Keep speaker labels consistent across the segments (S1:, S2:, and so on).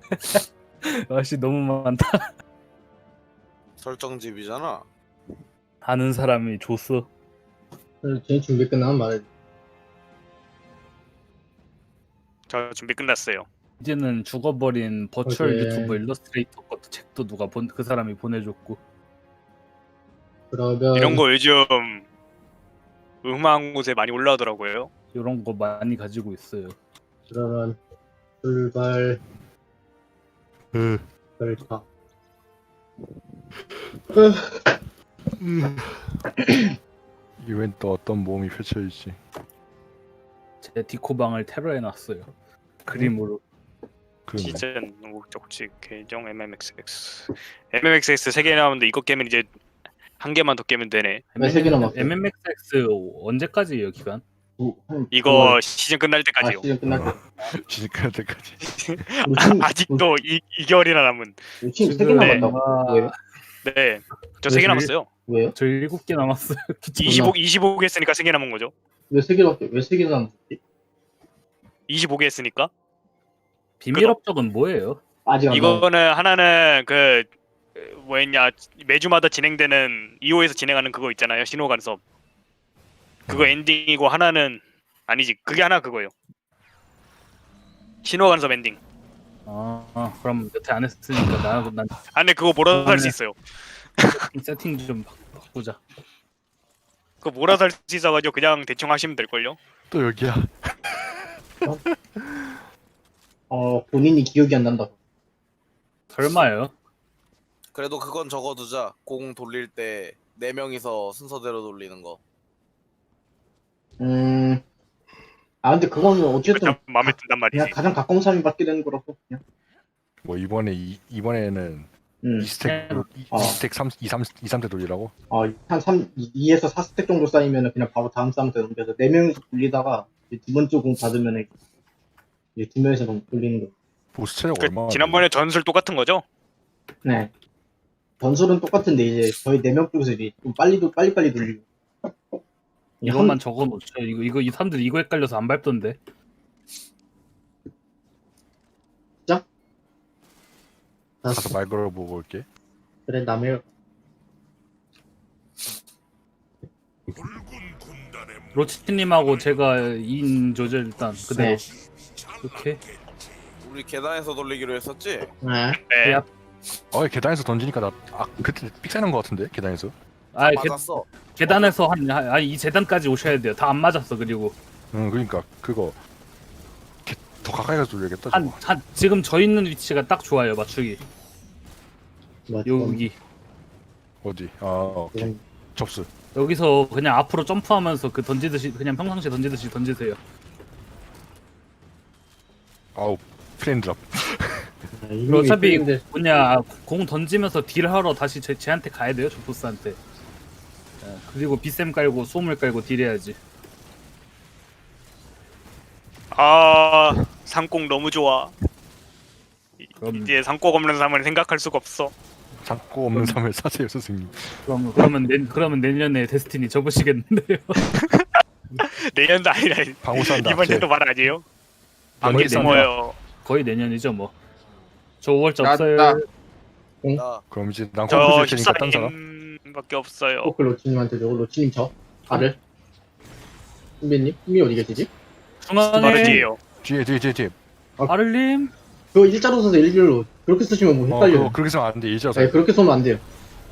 S1: 아씨 너무 많다.
S2: 설정집이잖아.
S1: 아는 사람이 줬어.
S3: 쟤 준비 끝나면 말해.
S4: 저 준비 끝났어요.
S1: 이제는 죽어버린 버추얼
S3: 오케이.
S1: 유튜버 일러스트레이터 것도 책도 누가 그 사람이 보내줬고.
S3: 그러면
S4: 이런 거 요즘 음악 곳에 많이 올라오더라고요.
S1: 이런 거 많이 가지고 있어요.
S3: 그러면 출발 결타.
S5: 이번엔 또 어떤 모험이 펼쳐질지.
S1: 제 디코방을 테러해놨어요. 그림으로.
S5: 그러네.
S4: 시즌 목적지 계정 MMXX 3개 나오는데 이거 깨면 이제 한 개만 더 깨면 되네.
S3: 왜 세 개 남았어요?
S1: MMXX 언제까지예요 기간?
S4: 이거 시즌 끝날 때까지요.
S3: 시즌 끝날 때.
S5: 시작할 때까지.
S4: 아직도 2개월이나 남은.
S3: 지금 3개
S1: 네.
S3: 남았다고. 왜요?
S4: 네, 저 3개 남았어요.
S3: 왜요?
S1: 저 7개 남았어요.
S4: 25개 했으니까 3개 남은 거죠.
S3: 왜 3개밖에? 왜 3개 남았지?
S4: 25개 했으니까.
S1: 비밀 업적은 뭐예요?
S3: 아직 안 나왔어.
S4: 이거는 하나는 그 뭐였냐, 매주마다 진행되는 2호에서 진행하는 그거 있잖아요, 신호 간섭. 그거 엔딩이고 하나는 아니지, 그게 하나 그거예요. 신호 간섭 엔딩.
S1: 그럼 여태 안 했으니까 난
S4: 아 근데 그거 몰아서 할 수 있어요.
S1: 세팅 좀 바꾸자.
S4: 그거 몰아서 할 수 있어가지고 그냥 대충 하시면 될걸요.
S5: 또 여기야.
S3: 본인이 기억이 안 난다.
S1: 설마요?
S2: 그래도 그건 적어두자. 공 돌릴 때 4명이서 순서대로 돌리는 거.
S3: 근데 그거는 어쨌든
S4: 일단 마음에 든단 말이지.
S3: 그냥 가장 가까운 사람이 받게 되는 거라서 그냥.
S5: 뭐 이번에는
S3: 음.
S5: 2스택
S3: 어.
S5: 2스택 3대 돌리라고?
S3: 한 2에서 4스택 정도 쌓이면 그냥 바로 다음 사람한테 넘겨서 4명이서 돌리다가 이제 두 번째 공 받으면 이제 2명이서 돌리는 거.
S5: 보스 체력
S4: 그
S5: 얼마나?
S4: 지난번에 전술 똑같은 거죠?
S3: 네. 전술은 똑같은데 이제 저희 4명 쪽에서 이제 좀 빨리빨리 돌리고.
S1: 이것만 적어놓죠. 이거 이 사람들 이거 헷갈려서 안 밟던데.
S5: 가서 말 걸어보고 올게.
S3: 그래 남의
S1: 로치님하고 제가 2인 조절 일단 그대로. 이렇게.
S2: 우리 계단에서 돌리기로 했었지?
S3: 네.
S4: 네.
S5: 계단에서 던지니까 나 그때 삑사는 거 같은데 계단에서.
S1: 아
S2: 맞았어.
S1: 계단에서 이 재단까지 오셔야 돼요. 다 안 맞았어. 그리고
S5: 그러니까 그거 더 가까이 가서 돌려야겠다. 저거.
S1: 한 지금 저 있는 위치가 딱 좋아요. 맞추기. 여기
S5: 어디? 오케이. 접수.
S1: 여기서 그냥 앞으로 점프하면서 그 던지듯이 그냥 평상시에 던지듯이 던지세요.
S5: 아우 프레임드랍.
S1: 그리고 어차피 공 던지면서 딜하러 다시 쟤한테 가야 돼요. 저 보스한테. 그리고 비쌤 깔고 소음을 깔고 딜해야지.
S4: 아 상공 너무 좋아.
S1: 그럼
S4: 이제 상공 없는 삶을 생각할 수가 없어.
S5: 잡고 없는 삶을 사세요 선생님.
S1: 그러면 내년에 데스티니 접으시겠는데요.
S4: 내년도 아니라
S5: 방울산다.
S4: 이번 년도 말 아니에요?
S1: 거의
S4: 방금 숨어요.
S1: 거의 내년이죠 뭐. 저 5월자
S6: 나-
S1: 없어요.
S6: 나-
S2: 나
S5: 그럼 이제 난
S4: 저
S5: 컴퓨터 줄 테니까 딴 사람.
S4: 14님밖에 없어요.
S3: 그 로치님한테 줘. 로치님 저. 발을. 신비님? 신비 어디 계시지?
S1: 중앙에
S4: 마르지예요.
S5: 뒤에.
S1: 아를님
S3: 그거 일자로 써서 일렬로. 그렇게 쓰시면 뭐 헷갈려요.
S5: 그거 그렇게 쓰면 안 돼. 일자로.
S3: 네, 그렇게 쓰면 안 돼요.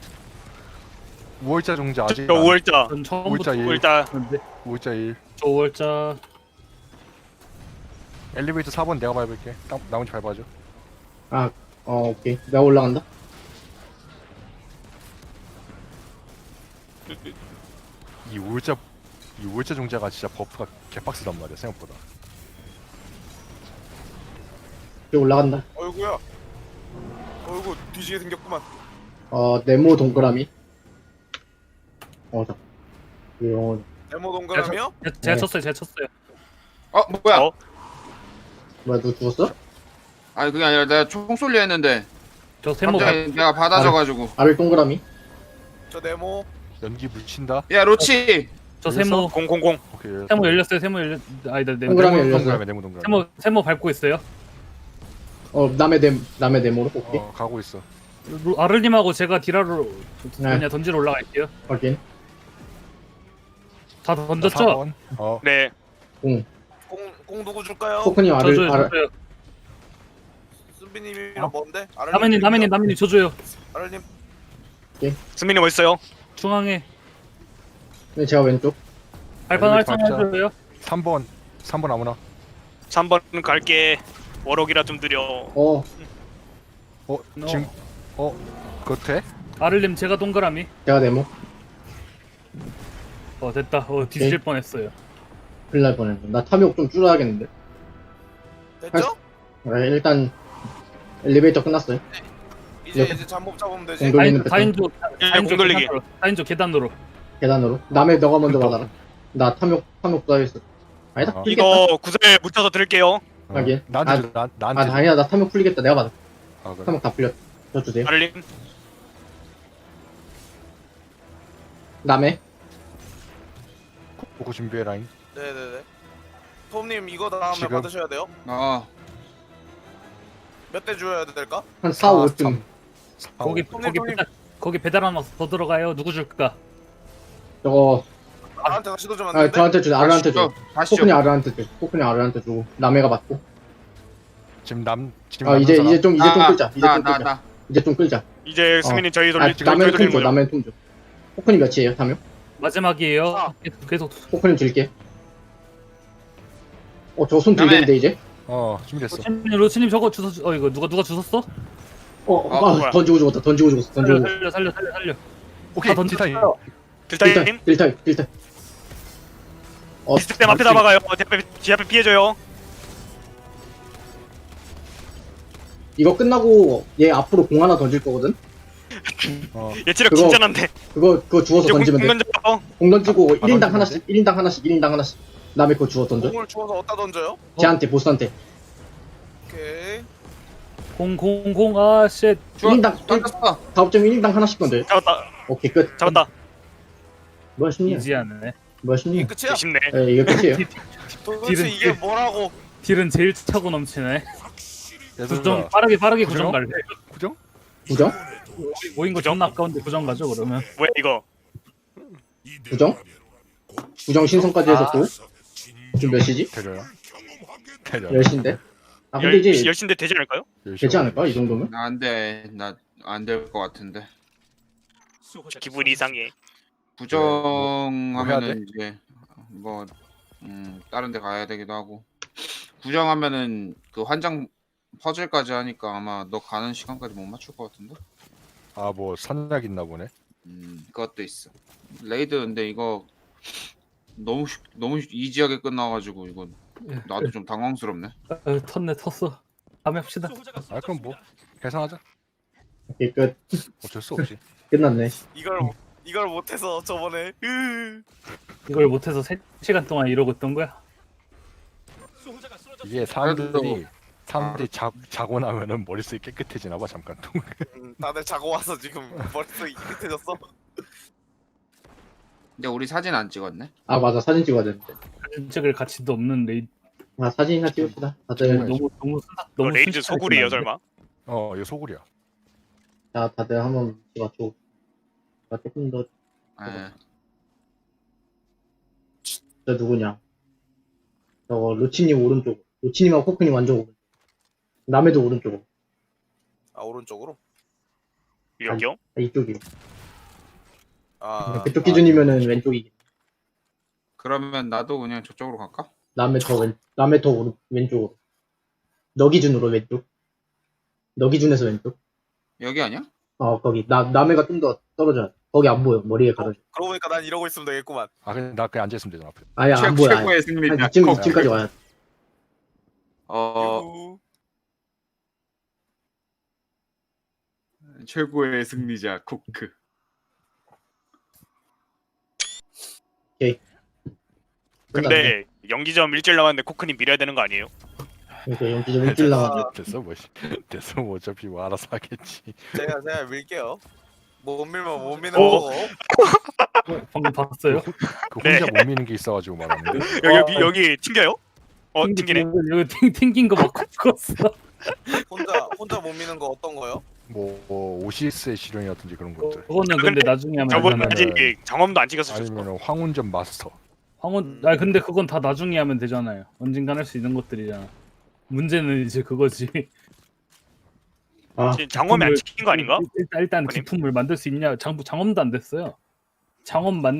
S5: 5월자 종자 아직.
S4: 저 5월자.
S1: 전 처음부터
S5: 5월자 1.
S4: 5월자
S5: 5월자 1.
S1: 저 5월자
S5: 엘리베이터 4번 내가 밟을게. 나머지 밟아줘.
S3: 오케이. 내가 올라간다.
S5: 이 5월자 종자가 진짜 버프가 개빡세단 말이야 생각보다.
S3: 여기 올라간다.
S2: 어이구야. 어이구 뒤지게 생겼구만.
S3: 네모 동그라미. 자. 이거
S2: 네모 동그라미요?
S1: 제가
S3: 네.
S1: 쳤어요. 제가 쳤어요.
S6: 뭐야?
S4: 어?
S3: 뭐야, 너 죽었어?
S6: 아니 그게 아니라 내가 총 쏠려 했는데
S1: 저 세모
S6: 갑자기 내가 받아져가지고.
S3: 아래 동그라미.
S2: 저 네모.
S5: 연기 묻힌다.
S6: 야 로치.
S1: 저 세모
S4: 000.
S5: 오케이.
S1: 세모 열렸어요. 세모 열렸. 아니다.
S3: 동그라미 열렸어.
S5: 동그라미 네모 동그라미.
S1: 세모 밟고 있어요.
S3: 남의 네모로 오케이.
S5: 가고 있어.
S1: 아를님하고 제가 딜하러
S3: 네.
S1: 그냥 던지러 올라갈게요.
S3: 확인.
S1: 다 던졌죠?
S5: 4번.
S4: 네.
S3: 공.
S2: 공 누구 줄까요?
S3: 코크님
S1: 저줘요.
S3: 아를
S1: 저줘요.
S2: 순비님이랑 뭔데?
S1: 남해님 저줘요.
S2: 아를님
S4: 승민님 어디 있어요?
S1: 중앙에
S3: 네, 제가 왼쪽.
S1: 발판
S5: 네,
S1: 활성
S5: 발자.
S1: 해줘요.
S5: 3번 아무나.
S4: 3번 갈게. 워럭이라 좀 느려.
S5: 지금 그거 돼?
S1: 아를님 제가 동그라미.
S3: 제가 네모.
S1: 됐다. 뒤질 뻔했어요.
S3: 큰일 날 뻔했네. 나 탐욕 좀 줄여야겠는데.
S2: 됐죠?
S3: 네, 일단 엘리베이터 끝났어요.
S2: 이제 잠복 잡으면 되지.
S3: 공 돌리는 패턴.
S1: 다인조
S4: 공 돌리기.
S1: 다인조 계단으로.
S3: 계단으로. 남의 너가 먼저 받아라. 나 탐욕 쌓여있어. 아니다.
S5: 어.
S3: 풀리겠다.
S4: 이거 구슬 묻혀서 드릴게요.
S3: 하긴.
S5: 나한테 줘, 나한테 줘.
S3: 아니야. 나 탐욕 풀리겠다. 내가 받아.
S5: 그래.
S3: 탐욕 다 풀렸. 저 주세요.
S4: 아를님.
S3: 남의.
S5: 보고 준비해 라인.
S2: 네네네. 톰님 이거 다음에
S5: 지금?
S2: 받으셔야 돼요. 몇 대 줘야 될까?
S3: 한 4, 5쯤.
S1: 거기 배달 하나 더 들어가요. 누구 줄까?
S3: 저거,
S2: 나한테 다시 도주면 안 되는데?
S3: 저한테 줘. 아르한테 줘.
S6: 다시
S3: 코크니
S6: 줘.
S3: 아르한테 줘. 코크니 아르한테 주고. 남해가 받고.
S5: 지금 남는
S3: 이제
S5: 사람.
S3: 좀 끌자. 이제 좀 끌자.
S6: 나.
S3: 이제 좀 끌자.
S4: 이제 승민님 저희
S3: 남해는
S4: 저희
S3: 통
S4: 돌리는
S3: 줘.
S4: 거죠.
S3: 남해는 통 줘. 코크니 몇이에요? 탐욕?
S1: 마지막이에요. 계속
S3: 코크니 줄게. 저 손
S6: 남해.
S3: 들리는데 이제?
S5: 준비됐어.
S1: 로치님 저거 주워. 이거 누가 주웠어?
S4: 뭐야.
S3: 던지고 죽었다. 던지고 죽었어. 던지고 죽었어.
S1: 살려.
S5: 오케이.
S1: 다
S5: 티타임.
S1: 던졌어요.
S4: 딜타임.
S3: 딜타임.
S4: 비스템 앞에다 막아요. 뒤 앞에 피해줘요.
S3: 이거 끝나고 얘 앞으로 공 하나 던질 거거든?
S4: 얘 체력
S3: 그거-
S4: 진짜 난데.
S3: 그거 주워서
S4: 이제
S3: 던지면 돼.
S4: 던져.
S3: 공 던지고 1인당
S5: 던지면
S3: 하나씩, 1인당 하나씩. 남의 거 주워 던져.
S2: 공을 주워서 어디다 던져요?
S3: 쟤한테, 보스한테.
S2: 오케이.
S1: 아 쉣.
S3: 1인당,
S6: 던졌어.
S3: 다업점 1인당 하나씩 던져.
S4: 잡았다.
S3: 오케이, 끝.
S4: 잡았다.
S3: 뭐야, 쉽냐?
S1: 이지하네.
S3: 뭐야,
S2: 이게
S3: 쉽냐?
S2: 끝이야?
S4: 쉽네.
S3: 예, 이게 끝이에요.
S2: 도대체
S1: 딜은
S2: 이게 뭐라고?
S1: 딜은 제일 차고 넘치네.
S5: 얘들아,
S1: 구정 빠르게
S5: 구정?
S1: 구정 갈래.
S5: 구정?
S3: 부정?
S1: 모인 거 존나 아까운데 구정 가죠 그러면.
S4: 뭐야 이거?
S3: 부정? 부정 신성까지 해서 또? 지금 몇 시지?
S5: 데려요. 데려.
S3: 10시인데? 근데 이제
S4: 열신데 되지 않을까요?
S3: 되지 않을까? 이 정도면?
S6: 나 안 돼. 나 안 될 것 같은데.
S4: 기분이 이상해.
S6: 부정하면은 이제 다른 데 가야 되기도 하고. 부정하면은 그 환장 퍼즐까지 하니까 아마 너 가는 시간까지 못 맞출 것 같은데.
S5: 뭐 선약 있나 보네.
S6: 그것도 있어. 레이드 근데 이거 너무 이지하게 끝나가지고 이건 나도 좀 당황스럽네.
S1: 텄어. 다음에 합시다.
S5: 그럼 뭐 계산하자.
S3: 오케이, 끝.
S5: 어쩔 수 없지.
S3: 끝났네.
S2: 이걸 못해서 저번에
S1: 이걸 못해서 3시간 동안 이러고 있던 거야.
S5: 이게 사람들이 자고 나면은 머릿속이 깨끗해지나 봐 잠깐 동안.
S2: 다들 자고 와서 지금 머릿속이 깨끗해졌어.
S6: 근데 우리 사진 안 찍었네.
S3: 아, 맞아. 사진 찍어야 되는데.
S1: 사진 찍을 가치도 없는 레이드.
S3: 사진이나 찍읍시다. 다들,
S1: 너무
S4: 레이즈
S1: 순식간에
S4: 소굴이에요
S1: 끝났는데?
S4: 설마?
S5: 이거 소굴이야.
S3: 자, 다들 한번 찍어줘. 나 조금 더,
S6: 예.
S3: 저 누구냐. 저거, 로치님 오른쪽. 로치님하고 코크님 완전 오른쪽. 남해도 오른쪽으로.
S2: 아 오른쪽으로?
S4: 여기요?
S3: 이쪽이요.
S2: 아
S3: 그쪽 기준이면은 왼쪽이지.
S6: 그러면 나도 그냥 저쪽으로 갈까?
S3: 남해 더 왼쪽으로. 너 기준으로 왼쪽. 너 기준에서 왼쪽.
S6: 여기 아니야?
S3: 거기. 남해가 좀 더 떨어져야 돼. 거기 안 보여. 머리에 가려져.
S2: 그러고 보니까 난 이러고 있으면 되겠구만.
S5: 근데 나 그냥 앉아있으면 되잖아 앞에.
S3: 아예 안 보여. 아예.
S6: 최고의 승리자.
S3: 한 이쯤까지 와야 돼.
S2: 유후.
S6: 최고의 승리자 코크.
S4: 근데 연기점 일주일 남았는데 코크님 밀어야 되는 거 아니에요?
S3: 그러니까 연기 좀 일주일 남았어.
S5: 됐어 뭐 됐어 뭐 어차피 뭐 알아서 하겠지.
S2: 제가 밀게요. 못 밀면 못 미는
S4: 오.
S2: 거고.
S1: 방금 봤어요?
S5: 그
S4: 네.
S5: 혼자 못 미는 게 있어가지고 말하는데.
S4: 여기 튕겨요? 튕기네.
S1: 여기 튕긴 거 맞고 죽었어.
S2: 혼자 못 미는 거 어떤 거요?
S5: 뭐 OCS의 실현이라든지 그런 것들.
S1: 그거는 근데 나중에 하면
S4: 저분
S1: 되잖아요.
S4: 아직 경험도 안 찍었을 수
S5: 아니면 황운전 마스터.
S1: 아 근데 그건 다 나중에 하면 되잖아요. 언젠간 할 수 있는 것들이잖아. 문제는 이제 그거지.
S3: 아,
S4: 장엄이 안 찍힌 거 아닌가?
S1: 일단
S4: 아니?
S1: 기품을 만들 수 있냐? 장엄도 안 됐어요. 장엄 만